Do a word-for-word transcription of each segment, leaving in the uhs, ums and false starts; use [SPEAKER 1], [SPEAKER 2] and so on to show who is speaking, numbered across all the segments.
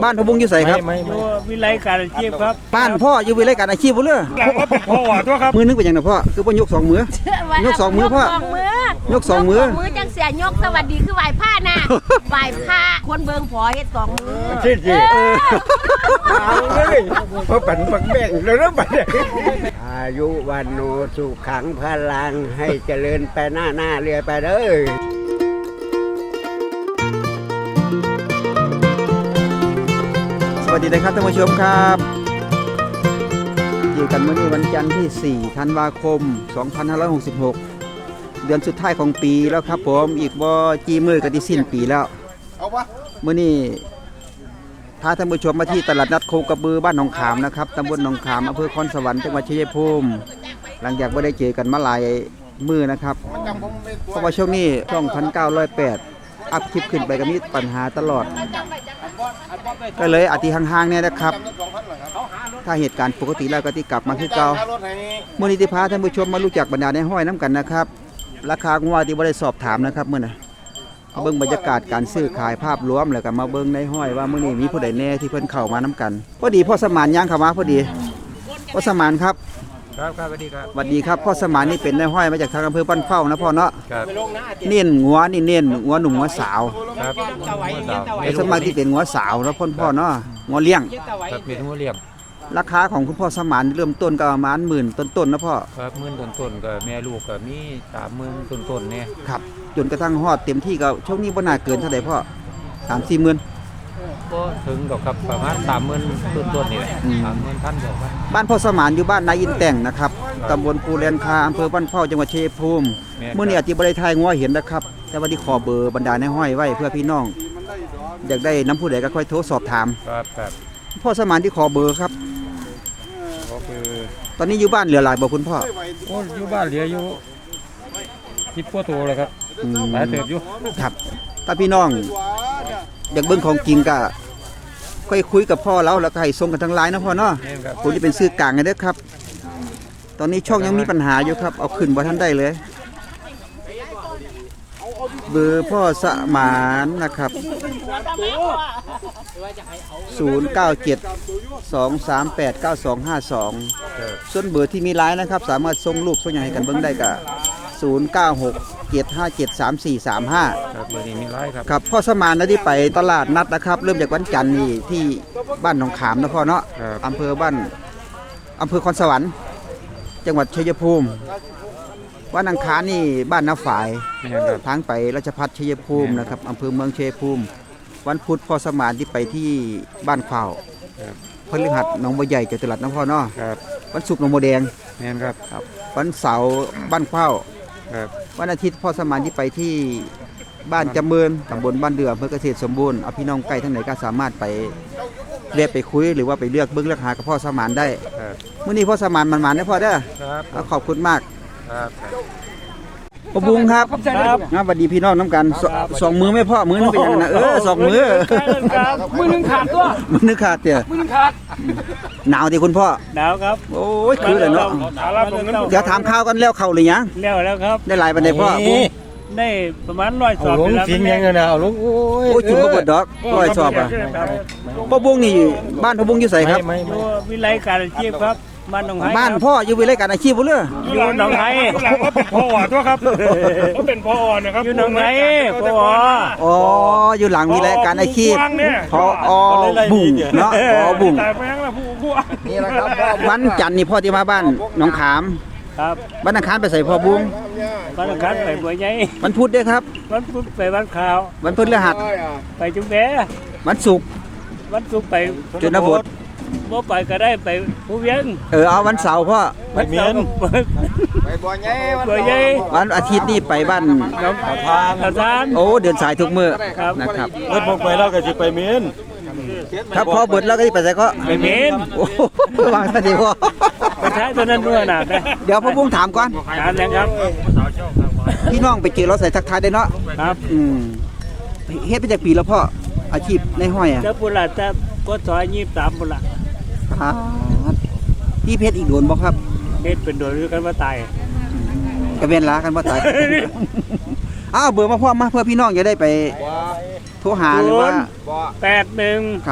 [SPEAKER 1] บ้านพ่อบุ้งอยู่ไสครับ
[SPEAKER 2] อยู่วิไลการอาชีพครับ
[SPEAKER 1] บ้านพ่ออยู่วิไลการอาชีพบ่เด้อ
[SPEAKER 2] ก็เป็นพ่อตัวครับ
[SPEAKER 1] มือนึงเป็นหยังน่ะพ่อคือบ่ยกสองมือยกสองมือพ่อยกสองมือ
[SPEAKER 3] มือจังเสียยกสวัสดีคือไหว้ผ้าน่ะไหว้ผ้าคนเบิ่งพอเฮ็ดสองมือ
[SPEAKER 2] จริงๆเออเอาเลยเพราะปั่นปักแบ่งแล้วนะบัดนี้
[SPEAKER 4] อายุวันโนสุขังพลังให้เจริญไปหน้าหน้าเรือไปเด้อ
[SPEAKER 1] สวัสดีนะครับท่านผู้ชมครับอยู่กันเมื่อนี้วันจันทร์ที่สี่ธันวาคมสองพันห้าร้อยหกสิบหกเดือนสุดท้ายของปีแล้วครับผมอีกบ่กี่มื้อก็ที่สิ้นปีแล้วเมื่อนี้พาท่านผู้ชมมาที่ตลาดนัดโคกระบือบ้านหนองขามนะครับตำบลหนองขามอำเภอคอนสวรรค์จังหวัดชัยภูมิหลังจากไม่ได้เจอกันมาหลายมื้อนะครับเพราะว่าช่วงนี้ช่องพันเก้าร้อยแปดอัพคลิปขึ้นไปก็มีปัญหาตลอดก็เลยอาทิห่างๆเนี่ยนะครับถ้าเหตุการณ์ปกติแล้วก็ที่กลับมาคือเก่ามื้อนี้ที่พาท่านผู้ชมมารู้จักบรรดาในห้อยน้ำกันนะครับราคางัวที่บ่ได้สอบถามนะครับมื้อน่ะเบิ่งบรรยากาศการซื้อขายภาพรวมแล้วก็มาเบิ่งในห้อยว่ามื้อนี้มีผู้ใดแน่ที่เพิ่นเข้ามาน้ำกันพอดีพ่อสมานย่างเข้ามาพอดีพ่อสมานครับ
[SPEAKER 2] ครับครับสวัสดีครับ
[SPEAKER 1] สวัสดีครับพ่อสมานนี่เป็นในห้อยมาจากทางอำเภอบ้านเข้านะพ่อเนาะ
[SPEAKER 2] ครับ
[SPEAKER 1] เน้นงัวนี่เน้นงัวหนุ่มงัวสาว
[SPEAKER 2] ครับ
[SPEAKER 1] ไอ้สมัยที่เป็นงัวสาวแล้วพ่อพ่อเนาะงัวเลี้ยง
[SPEAKER 2] ครับเป็นงัวเลี้ยง
[SPEAKER 1] ราคาของคุณพ่อสมานเริ่มต้นก็ประมาณหมื่นต้นๆนะพ่อ
[SPEAKER 2] ครับหมื่นต้นๆก็แม่ลูกก็มีสามหมื่นต้นๆเนี่ย
[SPEAKER 1] ครับจนกระทั่งฮอดเต็มที่ก็ช่วงนี้บ่น่าเกินเท่าไหร่พ่อสามสี่หมื่น
[SPEAKER 2] ก็ถึงดอกครับประมาณสามหมื่นต้นๆนี่แหละสามหมื่นพันเดียวกัน
[SPEAKER 1] บ้านพ่อสมานอยู่บ้านนายอินแต่งนะครับตำบลภูแลนคาอำเภอบ้านเข้าจังหวัดชัยภูมิเมื่อนี้อาจจะบ่ได้ทายงัวเห็นนะครับแต่ว่าที่ขอเบอร์บรรดาในห้อยไว้เพื่อพี่น้องอยากได้น้ำผู้ใดก็ค่อยโทรสอบถาม
[SPEAKER 2] ครับครับ
[SPEAKER 1] พ่อสมานที่ขอเบอร์ครับ
[SPEAKER 2] ก็คือ
[SPEAKER 1] ตอนนี้อยู่บ้านเหลือหลายบ่คุณพ่อ
[SPEAKER 2] โอ้อยู่บ้านเหลืออยู่สิบกว่าตัวเลยครับหลายเติบอยู่
[SPEAKER 1] ครับถ้าพี่น้องอยากเบิ่งของจริงก็ค่อยคุยกับพ่อแล้วแล้วก็ให้ส่งกันทางไลน์นะพ่อเนาะผมจะเป็นซื้อกลางไงเด้อครับตอนนี้ช่องยังมีปัญหาอยู่ครับเอาขึ้นบ่ทันได้เลยเบอร์พ่อสมานนะครับศูนย์ เก้า เจ็ด สอง สาม แปด เก้า สอง ห้า สองส่วนเบอร์ที่มีไลน์นะครับสามารถส่งรูปส่งอย่างให้กันเบิ่งได้ก็ศูนย์ เก้า หก เจ็ด ห้า เจ็ด สาม สี่ สาม ห้า
[SPEAKER 2] ครับเบอร์นี้มีไลน์ครับ
[SPEAKER 1] ครับพ่อสมานนะที่ไปตลาดนัดนะครับเริ่มจากวันจันทร์นี่ที่บ้านหนองขามนะพ่อเนาะอำเภอบ้านอำเภอคอนสวรรค์จังหวัดชัยภูมิวันอังคารนี่บ้านน้าฝายทางไปราชภัฏชัยภูมินะครับอำเภอเมืองชัยภูมิวันพุธพ่อสมานที่ไปที่บ้านขวาวพฤหัสหนองบัวใหญ่จตุรัสนะพ่อเนาะวันศุกร์หนองบัวแดง
[SPEAKER 2] แม่นครับ
[SPEAKER 1] วันเสาร์บ้านขวาววันอาทิตย์พ่อสมานที่ไปที่บ้านจำเมินตำบลบ้านเดืออำเภอเกษตรสมบูรณ์เอาพี่น้องใกล้ทั้งไหนก็สามารถไปเรียกไปคุยหรือว่าไปเลือกเบื้องเลือกหากับพ่อสมานได้เมื่อนี้พ่อสมานมันมาได้พ่อเด้อขอบคุณมากพ่อบุ้งครับครับสวัสดีพี่น้องน้ำกันสองมือไม่พ่อมือนึงเป็นยังไงนะเออสองมือ
[SPEAKER 2] มือนึงขาดตัว
[SPEAKER 1] มือนึงขาดเตี่ย
[SPEAKER 2] มือนึงขาด
[SPEAKER 1] หนาวดิคุณพ่อ
[SPEAKER 2] หนาวครับ
[SPEAKER 1] โอ้ยคือเลยเนาะเดี๋ยวถามข้าวกันแล้วเข่าเลยยัง
[SPEAKER 2] แล้วแล้วครับ
[SPEAKER 1] ได้หลายปันไดพ่อ
[SPEAKER 2] ได้ประมาณร้อยสอบ
[SPEAKER 4] ลงจริงยังไงนะเอาลงโอ้
[SPEAKER 1] ยจุ่มกระเบิดดอกร้อยสอบอ่ะพ่อบุ้งนี่บ้านพ่อบุ้งอยู่ไสครับ
[SPEAKER 2] วิไลการอาชีพครับบ้านหนองไห้
[SPEAKER 1] บ้านพ่ออยู่วิไลการอาชีพบ่เด้อ
[SPEAKER 2] อยู่หนองไห้ก็เป็นพ่อตัวครับก็เป็นพ่อนะครับอยู่หนองไห้พ่อ
[SPEAKER 1] อ๋ออยู่หลังวิไลการอาชีพพ่ออ๋อบุ้งเนาะอ๋อบุ้ง
[SPEAKER 4] นี่แหละครับ
[SPEAKER 1] วันจันทร์นี่พ่อที่มาบ้านหนองขาม
[SPEAKER 2] ครับ
[SPEAKER 1] วันอังคารไปใส่พ่อบุ้ง
[SPEAKER 2] วันอังคารไปบัวใหญ่
[SPEAKER 1] วันพุธด้วยครับ
[SPEAKER 2] วันพุธไปวันขาว
[SPEAKER 1] วันพฤหัส
[SPEAKER 2] ไปจุ๊บแบ
[SPEAKER 1] วันศุกร์
[SPEAKER 2] วันศุกร์ไป
[SPEAKER 1] จุนบด
[SPEAKER 2] บ่ไปก็ได้ไปผู้เวียง
[SPEAKER 1] เออเอาวันเสาร์พ่อ
[SPEAKER 2] ไปเมียน
[SPEAKER 4] ไปบัวใหญ่
[SPEAKER 2] บัวใหญ่
[SPEAKER 1] วันอาทิตย์นี่ไปบ้าน
[SPEAKER 2] น้องทานทาน
[SPEAKER 1] โอ้เดินสายทุกมื้อนะครับ
[SPEAKER 2] รถพกไปแล้วก็สิไปเมียน
[SPEAKER 1] ครับพอเบิดแล้วก็ไปใส่ก็
[SPEAKER 2] ไปเมียน
[SPEAKER 1] โอ้วางซะดีพ่อ
[SPEAKER 2] ไปใช้ตัวนั้นด้วยนะ
[SPEAKER 1] เดี๋ยวพ่อบุ้งถามก่อน
[SPEAKER 2] ถามแล้วครับ
[SPEAKER 1] พี่น้องไปเจอรถใส่ทักทายได้เนาะ
[SPEAKER 2] ครับ
[SPEAKER 1] อืมเฮ็ดไปจากปีแล้วพ่ออาชีพในห้อยอ่ะ
[SPEAKER 2] เจ้าปุระแต่ก็ซอยยี่สิบสามปุระ
[SPEAKER 1] พี่เพชรอีกโดนบ่ครับ
[SPEAKER 2] เพชรเป็นโดนหรือกันว่าตาย
[SPEAKER 1] กระเวนล้ากันว่าตายอ้าวเบอร์มาพ่อมาเพื่อพี่น้องจะได้ไปโทรหาหรือว่า
[SPEAKER 2] แปดหนึ่ง
[SPEAKER 1] ครับ
[SPEAKER 2] ศ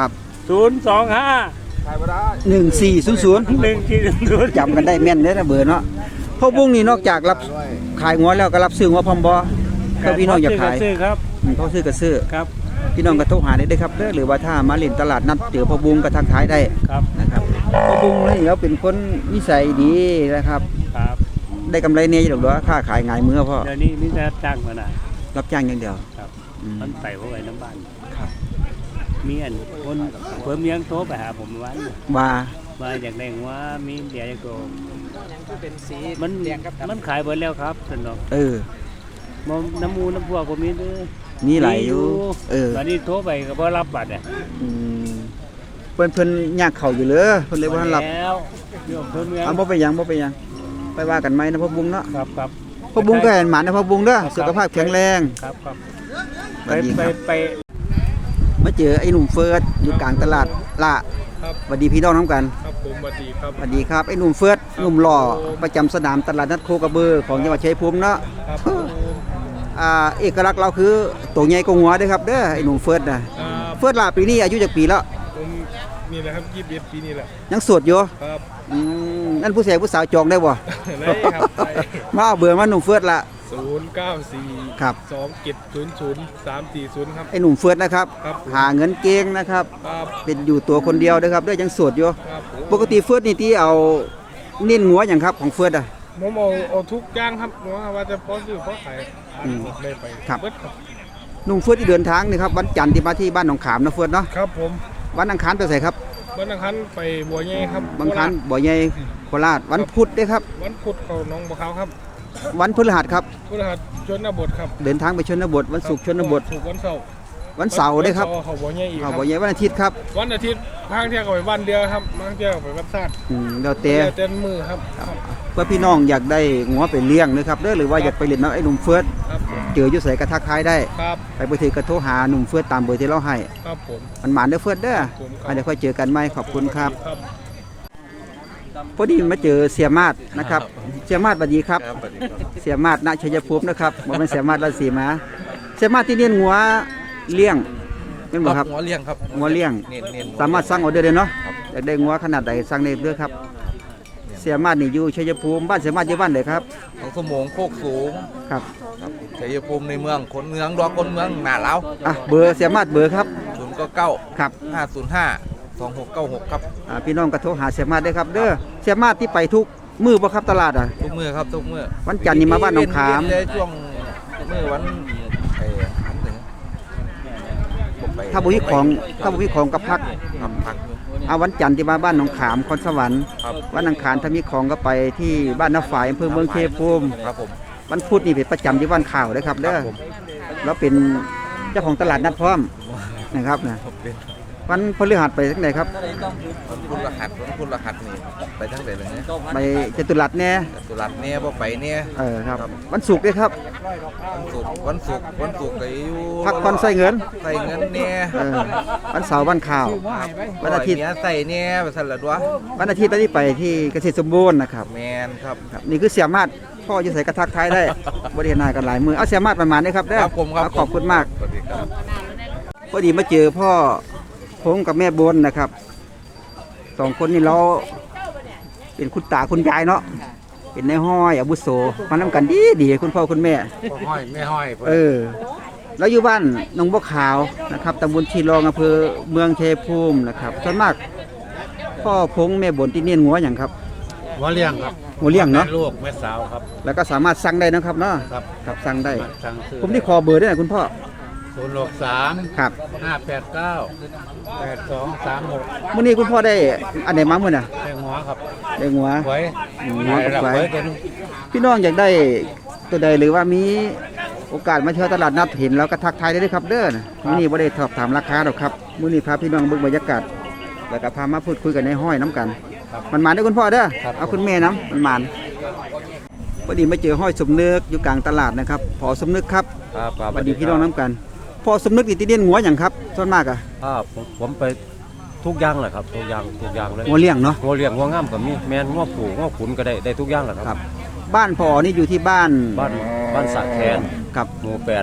[SPEAKER 2] ศูนย์สองห้า
[SPEAKER 1] หนึ่งสี่ศูนย์ศูนย์
[SPEAKER 2] หนึ่งที่ศูนย์
[SPEAKER 1] จำกันได้แม่นเด้อนะเบอร์เนาะพ่อบุ้งนี่นอกจากรับขายงัวแล้วก็รับซื้องัวพร้อมบ่ถ้าพี่น้องอยากขาย
[SPEAKER 2] ซื้อครับ
[SPEAKER 1] อืมเขาซื้อก็ซื้อ
[SPEAKER 2] ครับ
[SPEAKER 1] พี่น้องก็โทรหาได้เด้อครับเด้อหรือว่าถ้ามาเล่นตลาดนัดเจอพ่อบุ้งก็ทักทายได้
[SPEAKER 2] ครับ
[SPEAKER 1] นะครับพ่อบุ้งนี่เขาเป็นคนนิสัยดีนะครับ
[SPEAKER 2] ครับ
[SPEAKER 1] ได้กำไรเนี่ยอยู่ดอกเด้อค่าขายง่ายมือพ่อ
[SPEAKER 2] เดี๋ยวนี้มีแต่จ้างมาหน่ะ
[SPEAKER 1] รับจ้างอย่างเดียว
[SPEAKER 2] ครับ
[SPEAKER 1] อืม
[SPEAKER 2] มันใส่ไว้ไว้น้ำบ้าน
[SPEAKER 1] ครับ
[SPEAKER 2] มีอันคนเพิ่มเลี้ยงโตไปหาผมเมื่อวัน
[SPEAKER 1] ว่า
[SPEAKER 2] มาอยากได้ว่ามีเดียอย่างตัวเป็นสีมันมันขายหมดแล้วครับสนอง
[SPEAKER 1] เออ
[SPEAKER 2] มน้ำมูน้ำพวกผมมีเด้อ
[SPEAKER 1] มีหลายอยู่เออ
[SPEAKER 2] ตอนนี้โทรไปก็บ่รับบัตรอ่ะ
[SPEAKER 1] อืมเพิ่นเพิ่นยากเข้าอยู่เลยเพิ่นเลยบ่ทันรับ
[SPEAKER 2] แล้วเรื่องเพิ่มเลี้ยง
[SPEAKER 1] เอาบ่ไปหยังบ่ไปหยังไปว่ากันไหมนะพ่อบุ้งเนาะ
[SPEAKER 2] ครับครับ
[SPEAKER 1] พ่อบุ้งก็เห็นหมานะพ่อบุ้งเด้อสุขภาพแข็งแรง
[SPEAKER 2] ครับครับ
[SPEAKER 1] ส
[SPEAKER 2] ไป
[SPEAKER 1] วัสดี
[SPEAKER 2] ไป
[SPEAKER 1] ครับ
[SPEAKER 2] ไป
[SPEAKER 1] มาเจอไอ้หนุ่มเฟิร์สอยู่กลางตลาดละสวัสดีพี่น้องน้ำกัน
[SPEAKER 5] ครับผมสวัสดีครับ
[SPEAKER 1] สวัสดีครับไอ้หนุ่มเฟิร์สหนุ่มหล่อประจำสนามตลาดนัดโคกระเบือของจังหวัดชัยภูมิเนาะ
[SPEAKER 5] ครับผม
[SPEAKER 1] อ่าเอกลักษณ์เราคือตัวใหญ่กว่าหัวเด้อครับเด้อไอ้หนุ่มเฟิร์สนะ
[SPEAKER 5] อ่า
[SPEAKER 1] เฟิร์สล่ะปีนี้อายุจากปีแล้ว
[SPEAKER 5] ผมนี่แหละครับยี่สิบเอ็ดปีนี่แหละ
[SPEAKER 1] ยังโสดอยู่
[SPEAKER 5] ครับ
[SPEAKER 1] อืมนั่นผู้ชายผู้สาวจองได้บ่
[SPEAKER 5] ได้ครับได้
[SPEAKER 1] มาเอาเบอร์มาหนุ่มเฟิร์สละ
[SPEAKER 5] ศูนย์เก้าสี่
[SPEAKER 1] ครับ
[SPEAKER 5] สองเจ็ดศูนย์ศูนย์สามสี่ศูนย์ครับ
[SPEAKER 1] ไอ้หนุ่มเฟิร์สนะครับ
[SPEAKER 5] ครับ
[SPEAKER 1] หาเงินเก่งนะครับ
[SPEAKER 5] ครับ
[SPEAKER 1] เป็นอยู่ตัวคนเดียวเด้อครับเด้อยังโสดอยู่
[SPEAKER 5] ครับผม
[SPEAKER 1] ปกติเฟิร์สนี่ที่เอาเน้นงัวอย่างครับของเฟิร์สอ่ะ
[SPEAKER 5] ผมเอาเอาทุกอย่างครับว่าว่าจะพอซื้อพอขาย
[SPEAKER 1] อืม
[SPEAKER 5] ได้ไป
[SPEAKER 1] ครับ
[SPEAKER 5] เบิดครับ
[SPEAKER 1] หนุ่มเฟิร์สที่เดินทางนี่ครับวันจันทร์ที่มาที่บ้านหนองขามนะเฟิร์สเนาะ
[SPEAKER 5] ครับผม
[SPEAKER 1] วันอังคารไปใส่ครับ
[SPEAKER 5] วันอังคารไปบัวใหญ่ครับ
[SPEAKER 1] บางครั้งบ่อใหญ่โคราชวันพุธเด้อครับ
[SPEAKER 5] วันพุธเขาหน้องบัวขาวครับ
[SPEAKER 1] วันพฤหัสครับ
[SPEAKER 5] พฤหัสชนบทครับ
[SPEAKER 1] เดินทางไปชนบทวันศุกร์ชนบท
[SPEAKER 5] ถูกวันเสาร์
[SPEAKER 1] วันเสาร์เด้อครับ
[SPEAKER 5] วันเสาเขาบัวใหญ่อีกค
[SPEAKER 1] เอา
[SPEAKER 5] รับ
[SPEAKER 1] บ่อใหญ่วันอาทิตย์ครับ
[SPEAKER 5] วันอาทิตย์บางเที่ยวก็ไปวันเดียวครับบางเที่ยวก็ไปวันซาด
[SPEAKER 1] อืมแล้วแต่
[SPEAKER 5] เต็มมือครับครับ
[SPEAKER 1] เพื่อพี่น้องอยากได้งัวไปเลี้ยงนะครับเด้อหรือว่าอยากไปเล่นน้ำไอ้หนุ่มเฟิร์ส
[SPEAKER 5] ครับผม
[SPEAKER 1] เจออยู่ใส่กระทักทายได้
[SPEAKER 5] ครับ
[SPEAKER 1] ไปเบอร์ถือกระโทรหาหนุ่มเฟิร์สตามเบอร์ที่เราให้
[SPEAKER 5] ครับผม
[SPEAKER 1] มันหมานเด้อเฟิร์สเด้อ
[SPEAKER 5] ผมครับ
[SPEAKER 1] อ่ะเดี๋ยวค่อยเจอกันใหม่ขอบคุณครับ
[SPEAKER 5] ครับ
[SPEAKER 1] พอดีมาเจอเสียมาดนะครับเสียมาดสวัสดีครับ เสียมาดณชัยภูมินะครับบ่แม่นเสียมาดราชสีมาเสียมาดที่เลี้ยงงัวเลี้ยงแม่นบ่ครับ
[SPEAKER 6] หัวเลี้ยงครับ
[SPEAKER 1] งัวเลี้ยง
[SPEAKER 6] เน้นเน้น
[SPEAKER 1] สามารถสั่งออเดอร์ได้เนาะอยากได้งัวขนาดใดสั่งได้เด้อครับ เสียมาดนี่อยู่ชัยภูมิบ้านเสียมาดอยู่บ้านใดครับ
[SPEAKER 6] ของสมงโคกสูง
[SPEAKER 1] ครับ
[SPEAKER 6] ครับชัยภูมิในเมืองคนเมืองดอกคนเมืองหนาเล้า
[SPEAKER 1] อ่ะเบอร์เสียมาดเบอร์ครับ
[SPEAKER 6] ศูนย์เก้าเก้า
[SPEAKER 1] ครับ
[SPEAKER 6] ห้าศูนย์ห้าสองหกเก้าหกครับ
[SPEAKER 1] อ่าพี่น้องก็โทรหาเสียมาดได้ครับ เด้อเสียมาดที่ไปทุกมื้อบ่ครับตลาดอ่ะ
[SPEAKER 6] ทุกมือครับทุกมือ
[SPEAKER 1] วันจันทร์นี่มาบ้านหนองขาม
[SPEAKER 6] เว้นเลยช่วงมือวันไอ้อันหนึ่งผมไป
[SPEAKER 1] ถ้าบ่มีของถ้าบ่มีของก็พัก
[SPEAKER 6] ครับพักอยู่
[SPEAKER 1] เอาวันจันทร์ที่มาบ้านหนองขามคอนสวรรค์
[SPEAKER 6] ครับ
[SPEAKER 1] วันอังคารถ้ามีของก็ไปที่บ้านนาฝ่ายอำเภอเมืองเทภูมิ
[SPEAKER 6] ครับผม
[SPEAKER 1] วันพุธนี่เป็นประจำที่บ้านข่าวเลยครับ
[SPEAKER 6] ค
[SPEAKER 1] เด้
[SPEAKER 6] รั
[SPEAKER 1] อบ
[SPEAKER 6] ผม
[SPEAKER 1] แล้วเป็นเจ้าของตลาดนัดพร้อมนะครับนะ
[SPEAKER 6] ผมเป็น
[SPEAKER 1] วันพฤหัสไปทั้งไหนครับ
[SPEAKER 6] วันคุณรหัสวันคุณรหัสนี่ไปทั้งไหนเลยเนี่ย
[SPEAKER 1] ไปจตุรัสแน่
[SPEAKER 6] สุรัตน์เนี่ยบ่ไปเนี่ย
[SPEAKER 1] เออครับวันศุกร์ด้วยครับ
[SPEAKER 6] วันศุกร์วันศุกร์วันศุกร์ก็อยู่
[SPEAKER 1] พักผ่อนใส่เงิน
[SPEAKER 6] ใส่เงินเนี่ย
[SPEAKER 1] เออวันเสาร์วันข่าว วันอาทิตย์
[SPEAKER 6] เนี้ยใส่เนี่ยไปสั่นละด้วย
[SPEAKER 1] วันอาทิตย์ตอนนี้ไปที่เกษตรสมบูรณ์นะครับ
[SPEAKER 6] แมนครับ
[SPEAKER 1] ครับนี่คือเสียมาดพ่อจะใส่กระทักท้ายได้บริเวณหน้ากันหลายมือเอาเสียมาดประมาณนี้ครับเด้อ
[SPEAKER 6] ครับผมครับ
[SPEAKER 1] เอาขอบคุณมาก
[SPEAKER 6] สวัสดีครับ
[SPEAKER 1] พอดีมาเจอพ่อพงกับแม่บนนะครับสองคนนี่เราเป็นคุณตาคุณยายเนาะเป็นนายห้อยอาบุโสมานำกันดีดีคุณพ่อคุณแม่
[SPEAKER 4] ห้อยไม่ห้อย
[SPEAKER 1] เออแล้วอยู่บ้านหนองบัวขาวนะครับตำบลชีรองอำเภอเมืองชัยภูมินะครับส่วนมากพ่อพงแม่บนที่เนียนงัวอย่างครับ
[SPEAKER 4] หัวเลี้ยงครับ
[SPEAKER 1] งัวเลี้ยงเนาะ
[SPEAKER 4] ลูกแม่สาวครับ
[SPEAKER 1] แล้วก็สามารถสั่งได้นะครับเนาะ
[SPEAKER 4] ครับ
[SPEAKER 1] ครับสั่งได้
[SPEAKER 4] สั่งซื้อ
[SPEAKER 1] ผมที่คอเบอร์ด้วยนะคุณพ่อ
[SPEAKER 4] ศูนย์หกสาม
[SPEAKER 1] ครับ
[SPEAKER 4] ห้าแปดเก้าแปดสองสามหก
[SPEAKER 1] มื้อนี้คุณพ่อได้อันไหนมามื้อน่ะ
[SPEAKER 4] แตงหัวครับ
[SPEAKER 1] ได้งัว
[SPEAKER 4] ไว้
[SPEAKER 1] อืมหัวกับไว้
[SPEAKER 4] ไว้ตัวนึง
[SPEAKER 1] พี่น้องอยากได้ตัวใดหรือว่ามีโอกาสมาเที่ยวตลาดนัดเห็นแล้วก็ทักทายได้เลยครับเด้อนะมื้อนี้บ่ได้สอบถามราคาหรอกครับมื้อนี้พาพี่น้องเบิ่งบรรยากาศแล้วก็พามาพูดคุยกันในห้อยน้ำกัน มันมาได้อคุณพ่อเด้อเอาคุณแม่น้ำมันมันพอดีมาเจอห้อยสมนึกอยู่กลางตลาดนะครับพอสมนึกครับ
[SPEAKER 7] ครับครับ
[SPEAKER 1] สวัสดีพี่น้องน้ำกันพอสมนึกนี่ติเดียนหัวอย่างครับส่วนมากอะ
[SPEAKER 7] ครับผมผมไปทุกอย่างแหละครับทุกอย่างทุกอย่างเลย
[SPEAKER 1] หัวเลี้ยงเนาะ
[SPEAKER 7] งัวเลี้ยงงัวงามก็มีแมนงัวผูงัวขุนก็ได้ได้ทุกอย่างแหละค
[SPEAKER 1] ครั
[SPEAKER 7] รับ
[SPEAKER 1] บ้านพอนี่อยู่ที่บ้าน
[SPEAKER 7] บ้านบ้านสระแคน
[SPEAKER 1] กับ
[SPEAKER 7] หมู่แปด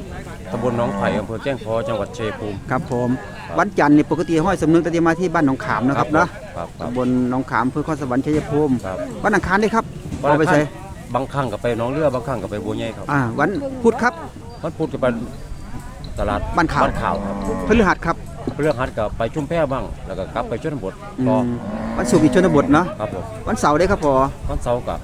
[SPEAKER 7] ตำบลหนองไผ่อำเภอแก้งเคอจังหวัดชัยภูมิ
[SPEAKER 1] ครับผมวันจันทร์นี่ปกติห้อยสำนึกก็จะมาที่บ้านหนองขามนะครับเนาะ
[SPEAKER 7] ครับครับ
[SPEAKER 1] ตำบลหนองขามอำเภอข้อสวรรค์ชัยภูมิ
[SPEAKER 7] ครับ
[SPEAKER 1] วันอังคารได้ครับ
[SPEAKER 7] วัน
[SPEAKER 1] เอา
[SPEAKER 7] อั
[SPEAKER 1] ไป
[SPEAKER 7] งคาร
[SPEAKER 1] ใส่
[SPEAKER 7] บางครั้งก็ไปหนองเรือบางครั้งก็ไปบัวใหญ่ครับ
[SPEAKER 1] อ่าวันพุธครับ
[SPEAKER 7] มันพูดกันไปตลาด
[SPEAKER 1] บ้านข่าว
[SPEAKER 7] บ้านข่าวครับ
[SPEAKER 1] พฤหัสครับ
[SPEAKER 7] เรื่องฮัดกับไปชุมแพบ้างแล้วก็กลับไปชนบท
[SPEAKER 1] อื
[SPEAKER 7] ต่อ
[SPEAKER 1] มวันศุกร์อีกชนบทเนาะ
[SPEAKER 7] ครับผม
[SPEAKER 1] วันเสาร์ได้ครับพอ
[SPEAKER 7] วันเสาร์กับ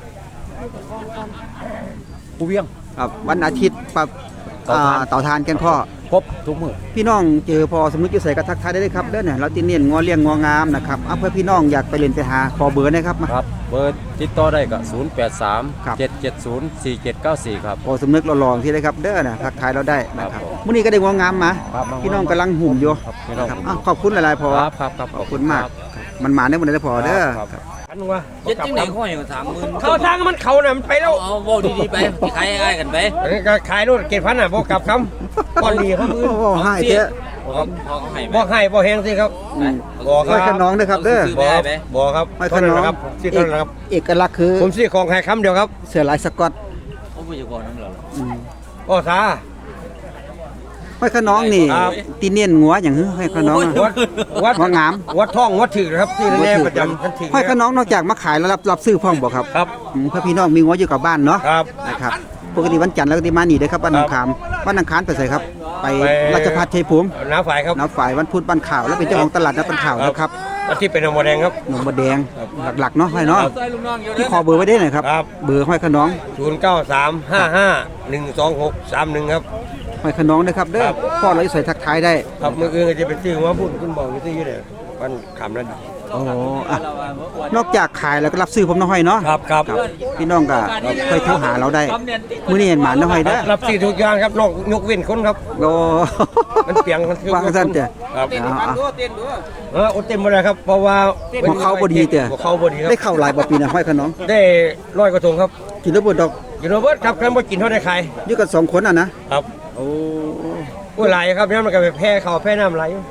[SPEAKER 7] ผู้เวียง
[SPEAKER 1] ครับวันอาทิตย์ปรับ
[SPEAKER 7] เต่าทาน
[SPEAKER 1] อ่าเต่าทานแกงข้อ
[SPEAKER 7] ครบทุกมื้อ
[SPEAKER 1] พี่น้องเจอพอสมมุติอยู่ใส่กระทักทายได้เลยครับเด้อเนี่ยเราติเนียนงัวเลี้ยงงัวงามนะครับเอาเพื่อพี่น้องอยากไปเล่นไปหาขอเบอร์นะครับมา
[SPEAKER 7] ครับเบอร์ติดต่อได้ก็ศูนย์ แปด สาม
[SPEAKER 1] ครับ
[SPEAKER 7] เจ็ด เจ็ด ศูนย์ สี่ เจ็ด เก้า สี่ครับ
[SPEAKER 1] พอสมนึกเราลองที่ได้ครับเด้อนะทักทายเราได้นะค
[SPEAKER 7] ครั
[SPEAKER 1] รับบ
[SPEAKER 7] ผม
[SPEAKER 1] มื้อนี้ก็ได้งัวงามมา
[SPEAKER 7] ครับ
[SPEAKER 1] พี่น้องกำลังหุ่มอยู่
[SPEAKER 7] ครับพี่น้อง
[SPEAKER 1] ครับอ้าวขอบคุณหลายๆพอ
[SPEAKER 7] ครับครับครับ
[SPEAKER 1] ขอบคุณมาก มันมาได้หมดเลยพอเด้อ
[SPEAKER 7] ครับ
[SPEAKER 1] ครับ
[SPEAKER 5] อันว่า
[SPEAKER 6] เจ็ดจังไหนข้ออย่างสามหมื่น
[SPEAKER 5] เข้าทางมันเขาน่ะมันไปแล้ว
[SPEAKER 6] เอาเว้าดีๆไปที่ขายง่ายๆกันไป
[SPEAKER 5] อันนี้ก็ขายนู่นเกตพันอ่ะบ่กลับคำก่อนดีเขามือ
[SPEAKER 1] โอ้โหให้เจ๊
[SPEAKER 6] ครับพอให้ไหม
[SPEAKER 5] บ่ให้บ่แห้งสิครับ
[SPEAKER 1] อืม
[SPEAKER 5] บ่ค
[SPEAKER 1] ห้อยข
[SPEAKER 5] รับ
[SPEAKER 1] น้องด้วยครับเด้อ
[SPEAKER 6] ซื้อ
[SPEAKER 5] บ่
[SPEAKER 6] ได้
[SPEAKER 5] ครับ
[SPEAKER 6] ไหม
[SPEAKER 5] บ่ครับ
[SPEAKER 1] ห้อยข
[SPEAKER 5] เท่านั้น
[SPEAKER 1] น้อง
[SPEAKER 5] นะครับที่เท่านั้นครับ
[SPEAKER 1] เอกลักษณ์คือ
[SPEAKER 5] ผมซื้อของแค่คำเดียวครับ
[SPEAKER 1] เสื้อลายสก๊อต
[SPEAKER 6] โอ้ผู้จัดการนั่นเหรอ
[SPEAKER 1] อืม
[SPEAKER 5] ก็ซา
[SPEAKER 1] ห้อยขน้องนี่
[SPEAKER 5] ครับ
[SPEAKER 1] ตีเนียนงัวอย่างหื้อห้อยขน้อง
[SPEAKER 5] วัดวัด
[SPEAKER 1] งัวงาม
[SPEAKER 5] วัดท่องวัดถึกนะครับที่แน่ๆประจำทันที
[SPEAKER 1] ห้อยขน้องนอกจากมาขายแล้วรับรับซื้อพ่องบ่ครับ
[SPEAKER 5] ครับ
[SPEAKER 1] อืมเพื่อพี่น้องมีงัวอยู่กับบ้านเนาะ
[SPEAKER 5] ครับ
[SPEAKER 1] นะครับปกติวันจันทร์แล้วก็ที่มานี่เด้อครับบ้านหนองขามบ้านอังคารไปใส่ครับ ไป
[SPEAKER 5] ไป
[SPEAKER 1] ราชภัฏชัยภูมิ
[SPEAKER 5] น้าฝ่ายครับ
[SPEAKER 1] น้าฝ่ายวันพุธบ้านข่าวแล้วเป็นเจ้าของตลาดนัดบ้านข่าวนะครับ
[SPEAKER 5] อาที่เป็นอมแดงครับ
[SPEAKER 1] หนองบัวแดงหลักๆเนาะห้อยเนาะ
[SPEAKER 6] ใส่ลูกน้องอยู่
[SPEAKER 1] ที่
[SPEAKER 6] เด้อ
[SPEAKER 1] ขอเบอร์ไว้ได้หน่อยครับ
[SPEAKER 5] ครับ
[SPEAKER 1] เบอร์ห้อยขน้อง
[SPEAKER 5] ศูนย์เก้าสามห้าห้าหนึ่งสองหกสามหนึ่งครับ
[SPEAKER 1] ห้อยขน้องนะครับเด้อ
[SPEAKER 5] ครับ
[SPEAKER 1] พ่อเราจะใส่ทักทายได้
[SPEAKER 5] ครับมืออื่นก็จะเป็นซื้อหัวพูดคุณบอกอยู่ที่อยู่เนี่ยมันขำนั่น
[SPEAKER 1] โอ้อะนอกจากขายแล้วก็รับซื้อผมน้องห้อยเนาะ
[SPEAKER 5] ครับครับ
[SPEAKER 1] ครับพี่น้องก็ค่อยโทรหาเราได้มื้อนี้เห็นหมาน้องห้อยเด้อ
[SPEAKER 5] รับซื้อทุกอย่างครับนอกยกเว้นคนครับ
[SPEAKER 1] โอ้
[SPEAKER 5] มันเปียงมันคือ
[SPEAKER 1] วางซั่นเด้อ
[SPEAKER 5] ครับ
[SPEAKER 1] เอาเอา
[SPEAKER 5] เอออดเต็มหมดเลยครับเพราะว่า
[SPEAKER 1] บ่เข้าบ่ดีเด้อ
[SPEAKER 5] บ่เข้าบ่ดีครับ
[SPEAKER 1] ได้เข้าหลายบ่ปีนะห้อยขน้อง
[SPEAKER 5] ได้ร้อยกระทงครับ
[SPEAKER 1] กินแล้วบ่ดอก
[SPEAKER 5] กินโรเบิร์ตครับกันบ่กินเท่าได้ขาย
[SPEAKER 1] อยู่กันสองคนอ่ะนะครับ โอ้
[SPEAKER 5] ผู้หลายครับเนี่ยมันก็ไปแพ้เขาวแพ้น้ำไหลอยู่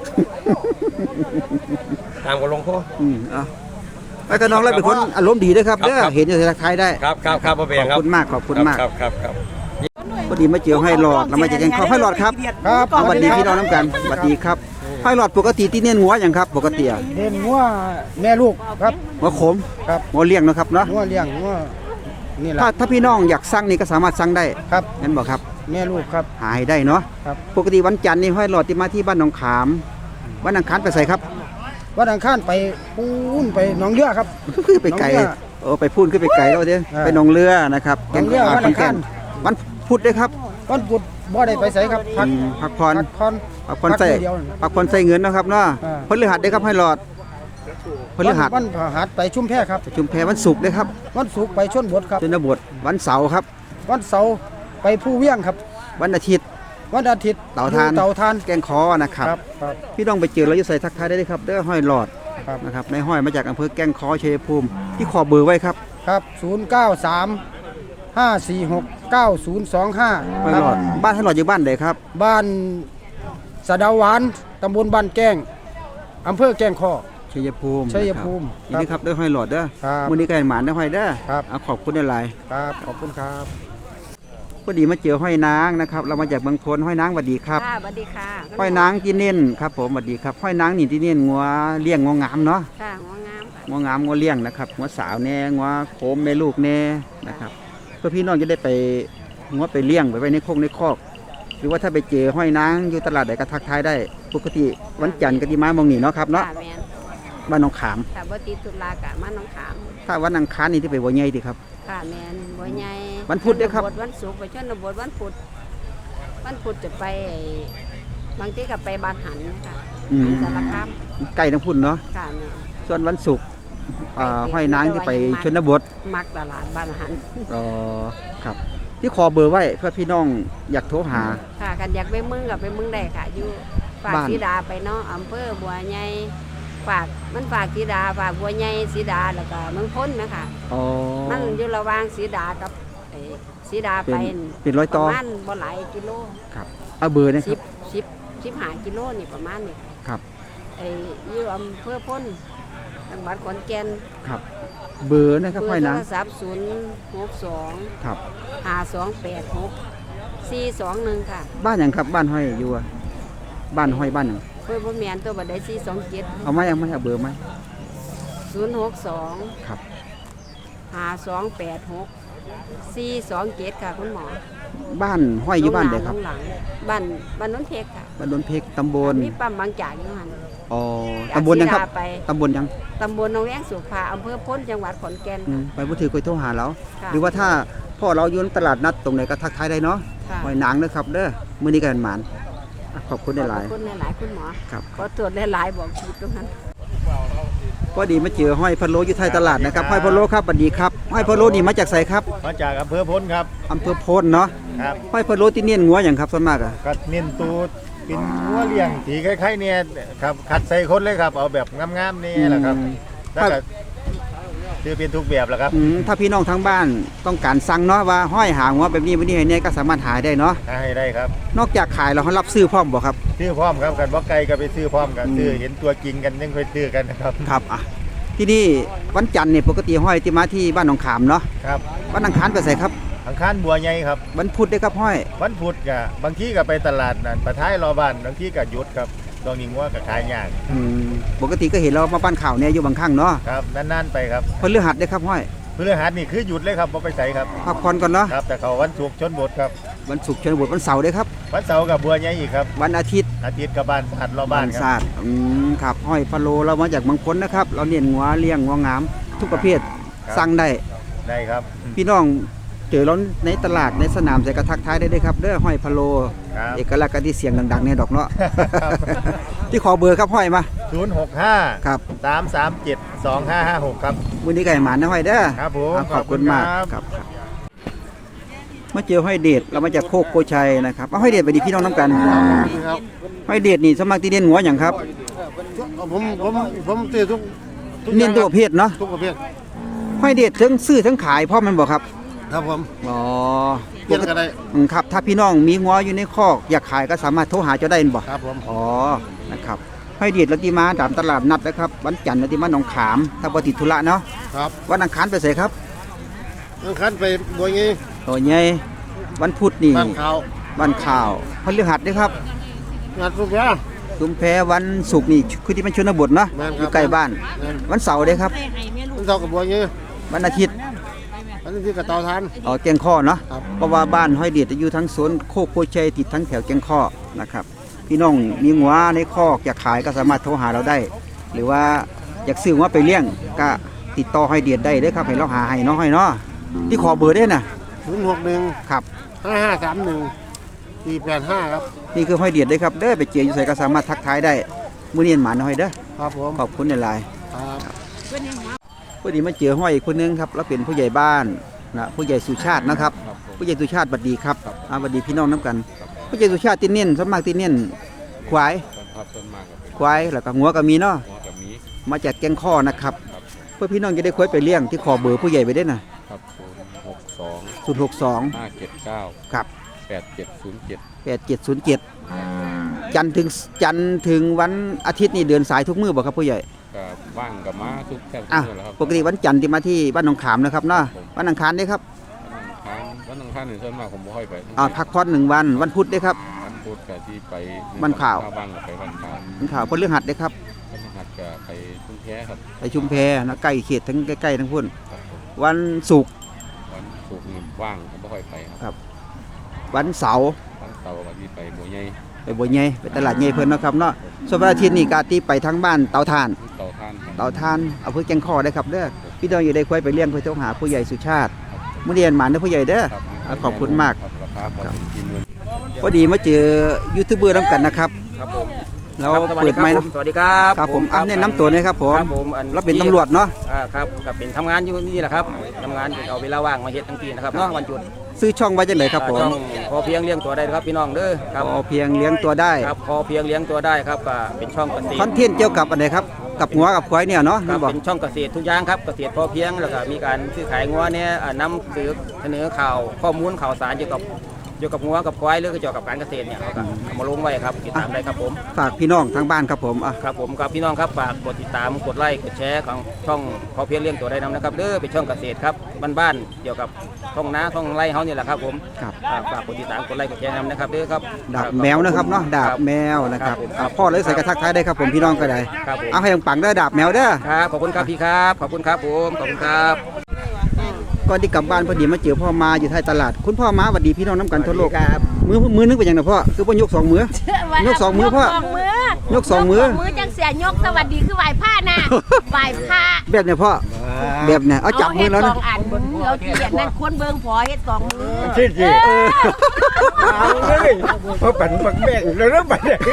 [SPEAKER 5] ตามกับหลวงพ่อ
[SPEAKER 1] อืมเอาไอ้กระน้องเราเป็นคนอารมณ์ดีด้วยครับ
[SPEAKER 5] ครับ
[SPEAKER 1] เด้อ
[SPEAKER 5] ครับ
[SPEAKER 1] เห็นอยู่ในทักทายได้
[SPEAKER 5] ครับครับครับบ่เป็นหยัง
[SPEAKER 1] ข
[SPEAKER 5] ค
[SPEAKER 1] อบ
[SPEAKER 5] รับ
[SPEAKER 1] คุณมากขอบคุณมาก
[SPEAKER 5] ครับครับครับ
[SPEAKER 1] พอดีมาเจอให้หลอดแล้วมาจากแกงข้าวให้หลอดครับครับสวัสดีพี่น้องน้ำกันสวัสดีครับให้หลอดปกติที่เนียนหัวอย่างครับ ปกติอะ
[SPEAKER 8] เห็นงัวแม่ลูกครับ
[SPEAKER 1] หัวขม
[SPEAKER 8] ครับ
[SPEAKER 1] หัวเลี้ยงเนาะครับเนาะ
[SPEAKER 8] งัวเลี้ยงงัวนี่แหละ
[SPEAKER 1] ถ้าถ้าพี่น้องอยากสั่งนี่ก็สามารถสั่งได้
[SPEAKER 8] ครับ
[SPEAKER 1] งั้นบอกครับ
[SPEAKER 8] แม่ลูกครับ
[SPEAKER 1] หาให้ได้เนาะ
[SPEAKER 8] ครับ
[SPEAKER 1] ปกติวันจันทร์นี่ให้หลอดที่มาที่บ้านหนองขามวันอังคารไปใส่ครับ
[SPEAKER 8] วันอังคารไปปูนไปหนองเรือครับ
[SPEAKER 1] คือไปไกล
[SPEAKER 8] หนองเรือ
[SPEAKER 1] โอ้ไปพูนขึ้นไปไกลแล้วเด้อ
[SPEAKER 8] อ่า
[SPEAKER 1] ไปหนองเรือนะครับ
[SPEAKER 8] หนองเรือ
[SPEAKER 1] แก่
[SPEAKER 8] วันอังคาร
[SPEAKER 1] วันพุธด้วยครับ
[SPEAKER 8] วันพุธบ่ได้ไปไสครับพัก
[SPEAKER 1] อืมพักผ่อน
[SPEAKER 8] พักผ่อน
[SPEAKER 1] พักผ่อนใส่
[SPEAKER 8] พักเดียวนั่น
[SPEAKER 1] พักผ่อนใส่เงินเนาะครับเนาะ
[SPEAKER 8] อ่า
[SPEAKER 1] พฤหัสได้ครับให้หลอดพฤหัส
[SPEAKER 8] วันพฤหัสไปชุมแพครับ
[SPEAKER 1] ชุมแพวันศุกร์ได้ครับ
[SPEAKER 8] วันศุกร์ไปชนบทครับ
[SPEAKER 1] ชนบทวันเสาร์ครับ
[SPEAKER 8] วันเสาร์ไปผู้เวียงครับ
[SPEAKER 1] วันอาทิตย์
[SPEAKER 8] วันอาทิตย์
[SPEAKER 1] เต่าทาน
[SPEAKER 8] อยู่เต่าทาน
[SPEAKER 1] แกงคอนะครับ
[SPEAKER 8] ครับครับ
[SPEAKER 1] พี่น้องไปเจอแล้วจะใส่ทักทายได้เลยครับเด้อห้อยหลอด
[SPEAKER 8] ครับ
[SPEAKER 1] นะครับในห้อยมาจากอำเภอแกงคอชัยภูมิที่ขอเบอร์ไว้ครับ
[SPEAKER 8] ครับศูนย์เก้าสามห้าสี่หกเก้าศูนย์สองห้า
[SPEAKER 1] ห้อยหลอดบ้านให้หลอดอยู่บ้านใดครับ
[SPEAKER 8] บ้านสะเดาหวานตำบลบ้านแก้งอำเภอแก้งข้อ
[SPEAKER 1] ชัยภูมิ
[SPEAKER 8] ชัยภูมิ
[SPEAKER 1] นะครับนี่ครับเด้อห้อยหลอดเด้อ
[SPEAKER 8] ครับ
[SPEAKER 1] มื้อนี้ก็ให้หมานเด้อห้อยเด้อ
[SPEAKER 8] ครับ
[SPEAKER 1] เอาขอบคุณหลาย
[SPEAKER 8] ครับขอบคุณครับ
[SPEAKER 1] พอดีมาเจอห้อยนางนะครับเรามาจากเมืองพลห้อยนางสวัสดีครับ
[SPEAKER 3] ค่ะสวัสดีค่ะ
[SPEAKER 1] ห้อยนางที่เน้นครับผมสวัสดีครับห้อยนางนี่ที่เน้นงัวเลี้ยงงัวงามเนาะ
[SPEAKER 3] ค่ะหัวงามค่ะ
[SPEAKER 1] งัวงามงัวเลี้ยงนะครับงัวสาวแน่งัวโคมแม่ลูกแน่นะครับเพื่อพี่น้องจะได้ไปงัวไปเลี้ยงไปไว้ในโคกในคอกหรือว่าถ้าไปเจอห้อยนางอยู่ตลาดใดก็ทักทายได้ปกติวันจันทร์ก็ที่มามองนี่เนาะครับเนาะ
[SPEAKER 3] ค่ะแมน
[SPEAKER 1] บ้านหนองขาม
[SPEAKER 3] ค่ะบ่ติดตุลากะมาน้องขาม
[SPEAKER 1] ถ้าวันอังคารนี่ที่ไปบัวใหญ่ดีครับ
[SPEAKER 3] ค่ะแมนบ่ใหญ่
[SPEAKER 1] วันพุธเด้อครับ
[SPEAKER 3] ชนวันศุกร์ไปชนบทวันพุธวันพุธจะไปไอ้บางทีก็ไปบ้านหันนะคะ
[SPEAKER 1] อืม
[SPEAKER 3] สารคาม
[SPEAKER 1] ใกล้ทั้งพุ่นเนาะ
[SPEAKER 3] ค่ะแม่
[SPEAKER 1] ส่วนวันศุกร์อ่าห้อยนางที่ไปชนบท
[SPEAKER 3] มักตลาดบ้านหัน
[SPEAKER 1] อ๋อครับที่ขอเบอร์ไว้เพื่อพี่น้องอยากโทรหา
[SPEAKER 3] ค่ะกันอยากไปเมึงกับไปเมึงได้ค่ะ อยู่ฝาก
[SPEAKER 1] บ้าน
[SPEAKER 3] สีดาไปเนาะอำเภอบัวใหญ่ฝากมันฝากสีดาฝากบัวใหญ่สีดาแล้วก็เมืองพ้นนะคะ
[SPEAKER 1] อ๋อ
[SPEAKER 3] มันอยู่ระหว่างสีดากับไอ้สีดาไป
[SPEAKER 1] เป็นเป็นร้อย
[SPEAKER 3] ป
[SPEAKER 1] ต่อ
[SPEAKER 3] ระมาณบ่หลายกิโล
[SPEAKER 1] ครับเอาเบอร์นะค
[SPEAKER 3] สิ
[SPEAKER 1] รั
[SPEAKER 3] บบ สิบสิบห้ากิโลนี่ประมาณนี้
[SPEAKER 1] ครับ
[SPEAKER 3] ไอ้อยู่อำเภอพ้นจังหวัดขอนแก่น
[SPEAKER 1] ครับเบอร์นะครับ
[SPEAKER 3] เบอ
[SPEAKER 1] ห้อย
[SPEAKER 3] ร์โท
[SPEAKER 1] นาง
[SPEAKER 3] รศัพท์ศูนย์หกสอง
[SPEAKER 1] ครับ
[SPEAKER 3] ห้าสองแปดหกสี่สองหนึ่งค่ะ
[SPEAKER 1] บ้านหยังครับบ้านห้อยอยู่อะบ้านห้อยบ้านหยัง
[SPEAKER 3] เพื่อบ่แมนตัวบัดได้สี่สองเจ็ด
[SPEAKER 1] เอาไหมเอาไหมเอาเบอร์ไหม
[SPEAKER 3] ศูนย์หกสอง
[SPEAKER 1] ครับ
[SPEAKER 3] ห้าสองแปดหกสี่สองเจ็ดค่ะคุณหมอ
[SPEAKER 1] บ้านห้อยอยู่บ้านใดครับ
[SPEAKER 3] หลังบ้านบ้านนนเพกค่ะ
[SPEAKER 1] บ้านดนเพกตำบล
[SPEAKER 3] มีปั๊มบางจากอยู่หัน
[SPEAKER 1] อ๋อตำบลยังครับ
[SPEAKER 3] จากศรีดาไป
[SPEAKER 1] ตำบลยัง
[SPEAKER 3] ตำบลหนองแวงสุภาอำเภอพ้นจังหวัดขอนแก่น
[SPEAKER 1] อืมไปบ่ถือคุยโทรหาเรา
[SPEAKER 3] ค่ะ
[SPEAKER 1] หรือว่าถ้าพ่อเราอยู่ในตลาดนัดตรงไหนก็ทักทายได้เนาะ
[SPEAKER 3] ค่ะ
[SPEAKER 1] ห้อยหนังเด้อครับเด้อมื้อนี้ก็เป็นหมานอ่ะขอบคุณหลาย
[SPEAKER 3] ขอบคุณหลายๆคุณหมอ
[SPEAKER 1] ๆครับ
[SPEAKER 3] ขอตรวจหลายๆบอกผิดตรงนั้น
[SPEAKER 1] พอดีมาเจอห้อยพะโล้อยู่ท้ายตลาดนะครับห้อยพะโล้ครับสวัสดีครับห้อยพะโล้นี่มาจากไสครับ
[SPEAKER 9] มาจากอำเภอพ้นครับ
[SPEAKER 1] อำเภอโพนเนาะ
[SPEAKER 9] ครับ
[SPEAKER 1] ห้อยพะโล้ที่เนียนงัวหยังครับส่วนมากอะ
[SPEAKER 9] ก็เน้นตูดเป็นหัวเลี้ยงสีคล้ายๆเนี่ยครับคัดใส่คนเลยครับ เอาแบบงามๆนี่แหละครับ
[SPEAKER 1] อืม
[SPEAKER 9] แล้วก็คือเป็นทุกแบบแหละครับ
[SPEAKER 1] อืมถ้าพี่น้องทางบ้านต้องการสั่งเนาะว่าห้อยหางงัวแบบนี้แบบนี้ให้เนี่ยก็สามารถหาได้เนาะ
[SPEAKER 9] ให้ได้ครับ
[SPEAKER 1] นอกจากขายแล้วเขารับซื้อพร้อมบ่ครับ
[SPEAKER 9] ซื้อพร้อมครับกันว่าไก่ก็ไปซื้อพร้อมกัน
[SPEAKER 1] อืม
[SPEAKER 9] ซื้อเห็นตัวจริงกันยังไปซื้อกันนะครับ
[SPEAKER 1] ครับอ่ะที่นี่วันจันทร์เนี่ยปกติห้อยที่มาที่บ้านหนองขามเนาะ
[SPEAKER 9] ครับ
[SPEAKER 1] วันอังคารไปใส่ครับ
[SPEAKER 9] อังคารบัวใหญ่ครับ
[SPEAKER 1] วันพุธได้ครับห้อย
[SPEAKER 9] วันพุธก็บางทีก็ไปตลาดนั่นประท้ายรอบ้านบางทีก็หยุดครับตรงนี้ว่าก็ขายยาก
[SPEAKER 1] อืมปกติก็เห็นเรามาบ้านข่าวเนี่ยอยู่บางครั้งเนาะ
[SPEAKER 9] ครับนานๆไปครับ
[SPEAKER 1] พฤหัสได้ครับห้อย
[SPEAKER 9] พฤหัสนี่คือหยุดเลยครับบ่ไปใส่ครับ
[SPEAKER 1] พักผ่อนก่อนเนาะ
[SPEAKER 9] ครับแต่เขาวันศุกร์ชนบทครับ
[SPEAKER 1] วันศุกร์ชนบทวันเสาร์ได้ครับ
[SPEAKER 9] วันเสาร์กับบัวใหญ่อีกครับ
[SPEAKER 1] วันอาทิตย์
[SPEAKER 9] อาทิตย์กับบ้านหัดรอบ้านครับ
[SPEAKER 1] ศาสตร์อืมครับห้อยพะโลเรามาจากบางพ้นนะครับ เราเน้นงัวเลี้ยงงัวงาม ทุกประเภท
[SPEAKER 9] ครับ
[SPEAKER 1] สั่งได้
[SPEAKER 9] ได้ครับ
[SPEAKER 1] พี่น้องเจอเราในตลาดในสนามใส่กระทักทายได้เลยครับเด้อห้อยพะโล
[SPEAKER 9] ครับ
[SPEAKER 1] เอกลักษณ์กันที่เสียงดังๆเนี่ยดอกเนาะ
[SPEAKER 9] ครับ
[SPEAKER 1] ที่ขอเบอร์ครับห้อยมา
[SPEAKER 9] ศูนย์หกห้า
[SPEAKER 1] ครับ
[SPEAKER 9] สามสามเจ็ดสองห้าห้าหกครับ
[SPEAKER 1] วันนี้ไก่หมานนะห้อยเด้อ
[SPEAKER 9] ครับผม
[SPEAKER 1] อ่ะขอบคุณมาก
[SPEAKER 9] ขอบคุณครับ
[SPEAKER 1] ครับครับมาเจอห้อยเดชเรามาจากโคกโกชัยนะครับเอาห้อยเดชไปดีพี่น้องน้ำกันห้อยเดชนี่สมัครที่เด่นหัวอย่างครับ
[SPEAKER 5] ผมผมผมตีทุก
[SPEAKER 1] เน้นตัวประเภทเนาะ
[SPEAKER 5] ทุกประเภท
[SPEAKER 1] ห้อยเดชทั้งซื้อทั้งขายพ่อมันบอกครับ
[SPEAKER 5] ครับผม
[SPEAKER 1] อ๋อ
[SPEAKER 5] เปลี่ยนกันได้
[SPEAKER 1] อืมครับถ้าพี่น้องมีงัวอยู่ในคอกอยากขายก็สามารถโทรหาเจ้าได้บ่
[SPEAKER 5] ครับผม
[SPEAKER 1] อ๋อนะครับห้อยเดชลัติมาตามตลาดนัดนะครับวันจันทร์ลัติมาหนองขามถ้าบ่ติดธุระเนาะ
[SPEAKER 5] ครับ
[SPEAKER 1] วันอังคารไปใส่ครับ
[SPEAKER 5] อังคันไปบัวงี้
[SPEAKER 1] ตัวใหญ่วันพุธนี่
[SPEAKER 5] บ้านเขา
[SPEAKER 1] วันข่าวพฤหัสด้วยครับ
[SPEAKER 5] งานทุกอย่าง
[SPEAKER 1] ชุมแพวันศุกร์นี่คือที่มันชนบทเนาะ
[SPEAKER 5] แม่น
[SPEAKER 1] อ
[SPEAKER 5] ครับ
[SPEAKER 1] ยู่ใกล้บ้าน
[SPEAKER 5] แม่น
[SPEAKER 1] วันเสาร์ด้วยครับ
[SPEAKER 5] มันเท่ากับบัวงี้
[SPEAKER 1] วันอาทิตย์
[SPEAKER 5] อันนี้ที่กระเตาทาน
[SPEAKER 1] เออแกงข้อเนาะ
[SPEAKER 5] ครับ
[SPEAKER 1] เพราะว่าบ้านห้อยเดชจะอยู่ทั้งสวนโคกโพชัยติดทั้งแถวแกงข้อนะครับพี่น้องมีงัวในคอกอยากขายก็สามารถโทรหาเราได้ หรือว่าอยากซื้องัวไปเลี้ยงก็ติดต่อห้อยเดชได้เด้อครับให้เราหาให้เนาะห้อยเนาะที่ขอเบอร์ได้น่ะ
[SPEAKER 5] ศูนย์หกหนึ่ง
[SPEAKER 1] ครับ
[SPEAKER 5] ห้าห้าสามหนึ่งสี่แปดห้าครับ
[SPEAKER 1] นี่คือห้อยเดชได้อครับเด้อไปเจออยู่ใส่ก็สามารถทักทายได้มื้อนี้หมาน้อยเด้อ
[SPEAKER 5] ครับผม
[SPEAKER 1] ขอบคุณหลาย
[SPEAKER 5] ครับ
[SPEAKER 1] ๆพอดีมาเจอห้อยอีกคนนึงครับเราเป็นผู้ใหญ่บ้านนะผู้ใหญ่สุชาตินะครับ ผู้ใหญ่สุชาติบัดดีครับอ่าบัดดีพี่น้องน้ำกัน ผู้ใหญ่สุชาติติเนียนสวนมากติเนียนควาย
[SPEAKER 6] ครับต้นมากกับ
[SPEAKER 1] ควายแล้วก็งัวก็มีเนาะ
[SPEAKER 6] หัวกับมี
[SPEAKER 1] มาจากแกงข้อนะครับเพื่อพี่น้องจะได้ควายไปเลี้ยงที่ขอเบอร์ผู้ใหญ่ไปได้นะครับ
[SPEAKER 6] ศูนย์หกสอง
[SPEAKER 1] ศูนย์หกสอง
[SPEAKER 6] ห้าเจ็ดเก้า
[SPEAKER 1] ครับ
[SPEAKER 6] แปดเจ็ดศูนย์เจ็ด
[SPEAKER 1] แปดเจ็ดศูนย์เจ็ดจันทร์ถึงจันทร์ถึงวันอาทิตย์นี่เดินสายทุกมื้อบ่ครับผู้ใหญ่
[SPEAKER 6] กับว่างกับม้าทุกแทบทุก
[SPEAKER 1] อ่ะ
[SPEAKER 6] เมื่อแล้วครับ
[SPEAKER 1] ปกติวันจันทร์ที่มาที่บ้านหนองขามนะครับเนาะวันอังคารได้ครับ
[SPEAKER 6] วันอังคารวันอังคารหนึ่งส่วนมากผมไม่ค่อยไป
[SPEAKER 1] อ่าพักผ่อนหนึ่งวันวันพุธได้ครับ
[SPEAKER 6] วันพุธกับที่ไป
[SPEAKER 1] วันข่าว
[SPEAKER 6] ข้บ้างกับไปวันข่าว
[SPEAKER 1] วันข่าวพฤหัสได้ครับ
[SPEAKER 6] วันพฤหัสกับไปทุ่งแท้ครับ
[SPEAKER 1] ไปชุมแพนะใกล้เขตทั้งใกล้ๆทั้งพุ่น
[SPEAKER 6] ครับผม
[SPEAKER 1] วันศุกร์
[SPEAKER 6] วันศุกร์นี่ว่างผมไม่ค่อยไปครับ
[SPEAKER 1] วันเสาร์
[SPEAKER 6] วันเสาร์กับที่ไปบัวใหญ่
[SPEAKER 1] ไปบัวใหญ่ไปตลาดใหญ่เพิ่นเนาะครับเนาะส่วนวันอาทิตย์นี่กาตีไปทั้งบ้านเตาถ่าน
[SPEAKER 6] เต่าท่านครับ
[SPEAKER 1] เตาถ่านเอาเพื่อแกงข้อได้ครับเด้อพี่น้องอยู่ได้ควายไปเลี้ยงเพื่อเจ้าหาผู้ใหญ่สุชาติมื้อเรียนหมานเด้อผู้ใหญ่เด้อ
[SPEAKER 6] ครับ
[SPEAKER 1] อ่ะขอบคุณมาก
[SPEAKER 6] ครับราคาพอถึงกินเงิน
[SPEAKER 1] พอดีมาเจอยูทูบเบอร์นํกันนะครับ
[SPEAKER 10] ครับผม
[SPEAKER 1] เราเปิดไมค์เนาะ
[SPEAKER 10] สวัสดีครับ
[SPEAKER 1] ครับผมอันนี้น้ำตัวหนะครับผม
[SPEAKER 10] ครับผมอัน
[SPEAKER 1] เราเป็นตำรวจเนาะ
[SPEAKER 10] อ่าครับกับเป็นทำงานอยู่นี่แหละครับทำงานเอาเวลาว่างมาเฮ็ดทั้งทีนะครับเนาะวันหยุด
[SPEAKER 1] ซื้อช่องไว้จังไดครับผม
[SPEAKER 10] อ่าต้องพอเพียงเลี้ยงตัวได้ครับพี่น้องเด้อครับ
[SPEAKER 1] พอเพียงเลี้ยงตัวได้
[SPEAKER 10] ครับพอเพียงเลี้ยงตัวได้ครับก็เป็นช่องเกษตร
[SPEAKER 1] คอนเทนต์เกี่ยวกับอันไหนครับกับหัวกับควายเนี่ยเนาะ
[SPEAKER 10] ครั
[SPEAKER 1] นี่
[SPEAKER 10] บ
[SPEAKER 1] บอก
[SPEAKER 10] เป็นช่องเกษตรทุกอย่างครับเกษตรพอเพียงแล้วก็มีการซื้อขายงัวเนี่ยอ่านำเสนอเสนอข่าวข้อมูลข่าวสารเกี่ยวกับเกี่ยวกับงัวกับควายหรือเกี่ยวกับการเกษตรเนี่ยเขาก็เอามาลงไว้ครับติดตามได้ครับผม
[SPEAKER 1] ฝากพี่น้องทางบ้านครับผมอ่ะ
[SPEAKER 10] ครับผมครับพี่น้องครับฝากกดติดตามกดไลค์กดแชร์ของช่องพอเพียงเลี้ยงตัวได้นำนะครับเด้อเป็นช่องเกษตรครับบ้านๆเกี่ยวกับท้องนาท้องไร่เฮานี่แหละครับผม
[SPEAKER 1] ครับ
[SPEAKER 10] ฝากฝากกดติดตามกดไลค์กดแชร์นำนะครับเด้อครับ
[SPEAKER 1] ดาบแมวนะครับเนาะดาบแมวนะครับอ่ะพ่อเลยใส่กระทักทายได้ครับผมพี่น้องก็ได้
[SPEAKER 10] ครับผม
[SPEAKER 1] เอาให้ปังๆเด้อดาบแมวเด้อ
[SPEAKER 10] ครับขอบคุณครับพี่ครับขอบคุณครับผมขอบคุณครับ
[SPEAKER 1] ก่อนที่กลับบ้านพอดีมาเจอพ่อมาอยู่ท้ายตลาดคุณพ่อมาสวัสดีพี่น้องน้ำกันทั่วโลก
[SPEAKER 4] ครับ
[SPEAKER 1] มือมือนึงเป็นยังไงพ่อคือพ่อยกสองมือ ยกสองมือพ่อ
[SPEAKER 3] ยกสองมือย
[SPEAKER 1] กสองมือ
[SPEAKER 3] มือจังเสียยกสวัสดีคือไหว้ผ้าน่ะไหว้ผ้า
[SPEAKER 1] แบบเนี้ยพ่อแบบเนี้ยเอาจับมือแล้ว
[SPEAKER 3] เาเฮ็ดส
[SPEAKER 1] นะ
[SPEAKER 3] องอันเราเขียนนั่นคนเบิ่งพอเฮ็ดสองมือ
[SPEAKER 4] ที่สิเอาเลยเพราะปันปักแบ่งแล้วนะบัดนี้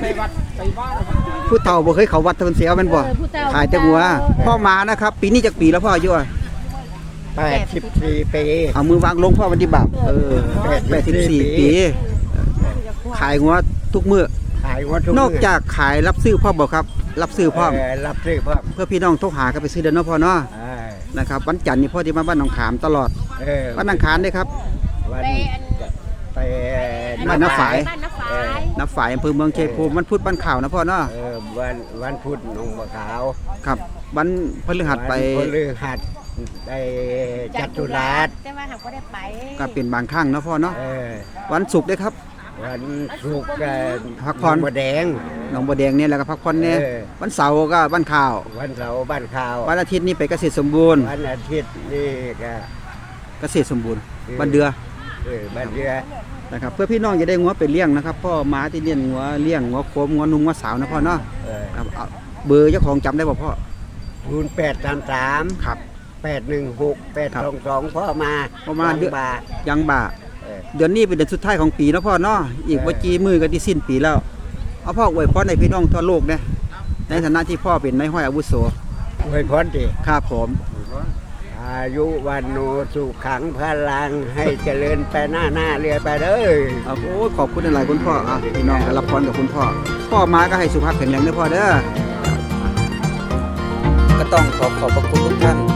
[SPEAKER 1] ผู้เฒ่าบ่เคยเขาวัดเทินเสียวแมันบ่ขายแต่หัวพ่อมานะครับ ปีนี้จากปีแล้วพ่ออายุอ่ะ
[SPEAKER 4] แปดสิบสี่ปี
[SPEAKER 1] เอามือวางลงพ่อวันที่บาปเออแปดสิบสี่ปี ขายหัวทุกมื้อ
[SPEAKER 4] ขายวัตถุ
[SPEAKER 1] นอกจากขายรับซื้อพ่อบ่ครับ รับซื้อพ่อม
[SPEAKER 4] เออรับซื้อพ่อม
[SPEAKER 1] เพื่อพี่น้องโทรหากันไปซื้อเด้อเนาะพ่อเนาะ
[SPEAKER 4] เออ
[SPEAKER 1] นะครับวันจันทร์นี่พ่อที่มาบ้านหนองขามตลอด
[SPEAKER 4] เออ
[SPEAKER 1] วันอังคารเด้อครับ
[SPEAKER 4] วันไป
[SPEAKER 1] บ้านน้าฝาย
[SPEAKER 3] บ้านน้าฝาย
[SPEAKER 1] นับฝ่ายอำเภอเมืองชัยภูมิวันพุธบ้านข่าวนะพ่อเนาะ
[SPEAKER 4] เออวันวันพุธหนองบัวขาว
[SPEAKER 1] ครับวันพฤหัสไป
[SPEAKER 4] วันพฤหัสไปจัตุรัส
[SPEAKER 3] แต่ว่าหากบ่ได้ไป
[SPEAKER 1] ก็เป็นบางครั้งเนาะพ่อเนาะ
[SPEAKER 4] เออ
[SPEAKER 1] วันศุกร์เด้อครับ
[SPEAKER 4] วันศุกร์ก็
[SPEAKER 1] พักผ่อน
[SPEAKER 4] บัวแดง
[SPEAKER 1] หนองบัวแดงเนี่ยแล้วก็พักผ่อนเนี่ย
[SPEAKER 4] เออ
[SPEAKER 1] วันเสาร์ก็บ้านข่าว
[SPEAKER 4] วันเสาร์บ้านข่าว
[SPEAKER 1] วันอาทิตย์นี่ไปเกษตรสมบูรณ์
[SPEAKER 4] วันอาทิตย์นี่ก็
[SPEAKER 1] เกษตรสมบูรณ์บ้านเดือ
[SPEAKER 4] เออบ้านเรือ
[SPEAKER 1] นะครับเพื่อพี่น้องจะได้งัวไปเลี้ยงนะครับพ่อม้าที่เลี้ยงงัวเลี้ยงงัวโคมงัวนุ่งงัวสาวนะพ่อเนาะ
[SPEAKER 4] เออ
[SPEAKER 1] ครับเอาเบอร์เจ้าของจำได้บ่พ่อ
[SPEAKER 4] ศูนย์แปดสามสาม
[SPEAKER 1] ครับ
[SPEAKER 4] แปดหนึ่งหกแปด
[SPEAKER 1] ครับ
[SPEAKER 4] สองสองพ่อมา
[SPEAKER 1] พ่อมาเดือน
[SPEAKER 4] บาท
[SPEAKER 1] ยังบ่า
[SPEAKER 4] เออ
[SPEAKER 1] เดือนนี้เป็นเดือนสุดท้ายของปีเนาะพ่อเนาะอีก
[SPEAKER 4] เออ
[SPEAKER 1] ว่าจีมือก็ที่สิ้นปีแล้วเอาพ่ออวยพรให้พี่น้องทั่วโลกนะในฐานะที่พ่อเป็นนายห้อยอาวุโส
[SPEAKER 4] อวยพรดิ
[SPEAKER 1] ครับผม
[SPEAKER 4] อายุวันโนสุขังพลังให้เจริญไปหน้าหน้าเรือไปเลย
[SPEAKER 1] เอาโอ้ยขอบคุณหลายๆคุณพ่ออ่ะพี่น้องก็รับพรกับคุณพ่อ พ่อมาก็ให้สุขภาพแข็งแรงด้วยพ่อเด้อก็ต้องขอขอบพระคุณทุกท่าน